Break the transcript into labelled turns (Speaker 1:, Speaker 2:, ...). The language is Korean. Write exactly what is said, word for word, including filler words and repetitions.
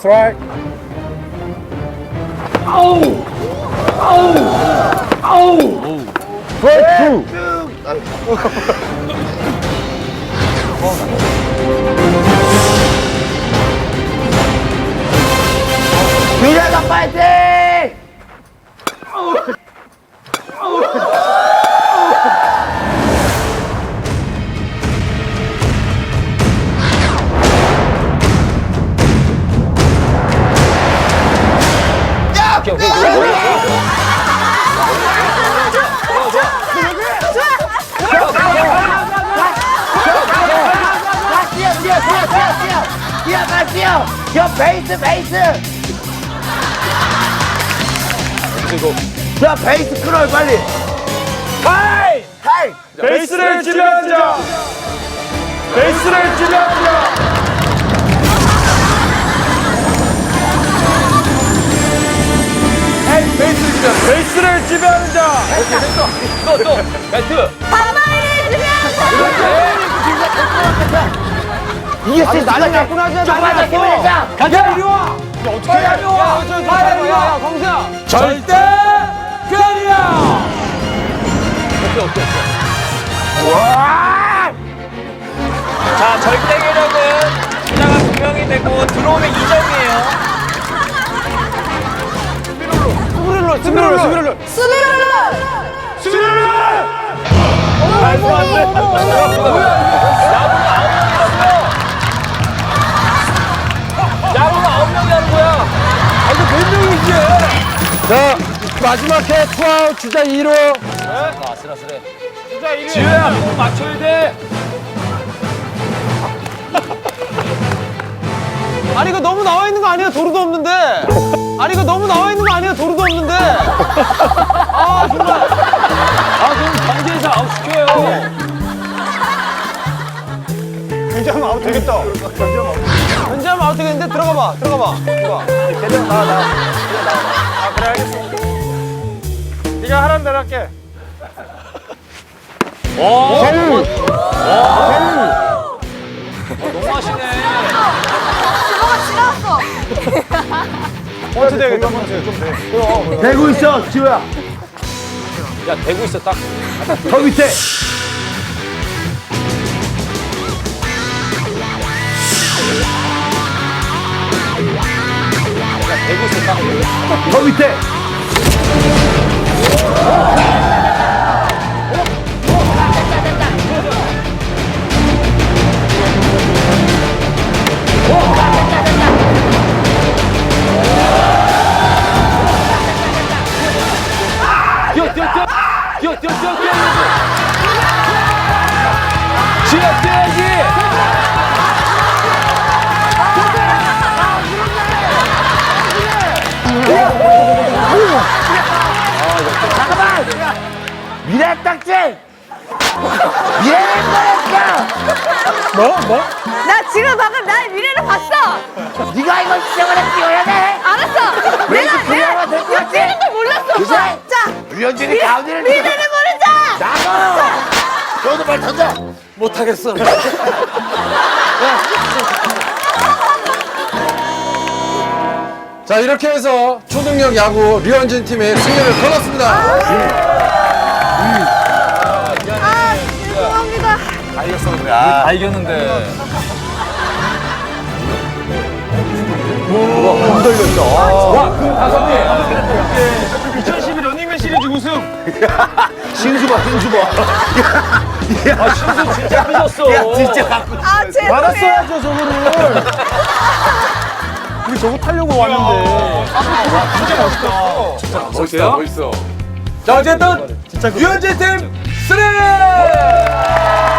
Speaker 1: That's right.
Speaker 2: 아우! 아우! 아우!
Speaker 1: Strike two.
Speaker 3: 유재석 파이팅!
Speaker 2: 오케이, 오케이, 오케이.
Speaker 3: 뛰어, 뛰어, 뛰어, 뛰어, 뛰어! 뛰어, 가, 뛰어! 뛰어, 베이스, 베이스! 자, 베이스 끊어요, 빨리!
Speaker 1: 타임!
Speaker 3: 타임!
Speaker 1: 베이스를 지배하는 자. 베이스를 지배하는 자. 에이, 베이스를 지배하는 베이스를 지배하는 자.
Speaker 2: 오케이, 됐어. 또, 또. 벨트.
Speaker 3: 이게 진짜 난리 났구나, 진짜 난리 났어!
Speaker 1: 가자, 이리 와. 어떻게 해?
Speaker 2: 야, 저, 야, 야, 야, 광수야.
Speaker 1: 절대 그리야.
Speaker 2: 오케이, 오케이, 오케이.
Speaker 3: 와!
Speaker 2: 자, 절대 괴력은 주자가 두 명이 되고 들어오면 이 점이에요. 스브룰러, 스브룰러, 스브룰러.
Speaker 1: 수비를! 말도 안 돼.
Speaker 2: 야구가 아홉 명이 하는 거야.
Speaker 1: 아, 이거 몇 명이지? 자, 마지막 해 투아웃 주자 이 루.
Speaker 2: 아, 아슬아슬해.
Speaker 1: 주자 일 루.
Speaker 2: 지효야, 꼭 맞춰야 돼.
Speaker 4: 아니 이거 너무 나와 있는 거 아니야? 도루도 없는데. 아니 이거 너무 나와 있는 거 아니야? 도루도 없는데. 아 정말.
Speaker 2: 아, 그럼 경기에서 아웃 시켜요.
Speaker 1: 굉장히 아웃 되겠다.
Speaker 4: 현재하면 아웃 되겠는데 들어가 봐. 들어가 봐. 들어가.
Speaker 1: 대장 나와, 나와. 아, 그래, 알겠어. 네가 하라는 대로 할게.
Speaker 2: 오,
Speaker 1: 세우!
Speaker 2: 너무 하시네.
Speaker 1: 펀치 되겠다, 펀치. 좀 돼.
Speaker 3: 대고 있어, 지호야!
Speaker 2: 야, 대고 있어, 딱.
Speaker 3: 더 밑에!
Speaker 2: 야, 대고 있어, 딱.
Speaker 3: 더 밑에!
Speaker 2: 뛰어, 뛰어, 뛰어. 뛰어, 뛰어, 뛰어, 뛰어. 지효, 뛰어야지.
Speaker 3: 잠깐만! 미래 딱지! 미래를 꺼냈어!
Speaker 1: 뭐? 뭐?
Speaker 5: 나 지금 방금 나의 미래를 봤어.
Speaker 3: 네가 이걸 시작을 했지, 야 돼!
Speaker 5: 알았어.
Speaker 3: 왠지
Speaker 5: 내가
Speaker 3: 그녀가
Speaker 5: 내가
Speaker 3: 될것 같아?
Speaker 5: 뛰는 걸 몰랐어.
Speaker 3: 그치?
Speaker 5: 자,
Speaker 3: 유현진이 가운데를
Speaker 5: 미래를 모르자.
Speaker 3: 나가! 너도 말 던져!
Speaker 4: 못하겠어.
Speaker 1: 자, 이렇게 해서 초능력 야구 류현진 팀의 승리를 거뒀습니다.
Speaker 5: 아, 죄송합니다.
Speaker 2: 다 이겼는데.
Speaker 1: 이천십이 런닝맨 시리즈 우승.
Speaker 3: 신수봐, 신수봐.
Speaker 2: 아, 신수 진짜 삐졌어.
Speaker 3: 야, 진짜 갖고
Speaker 5: 아, 죄송해요.
Speaker 1: 받았어야죠, 저거를. 우리 저거 타려고 왔는데.
Speaker 2: 멋있어요?
Speaker 1: 멋있어. 자, 어쨌든 류현진 팀 승리!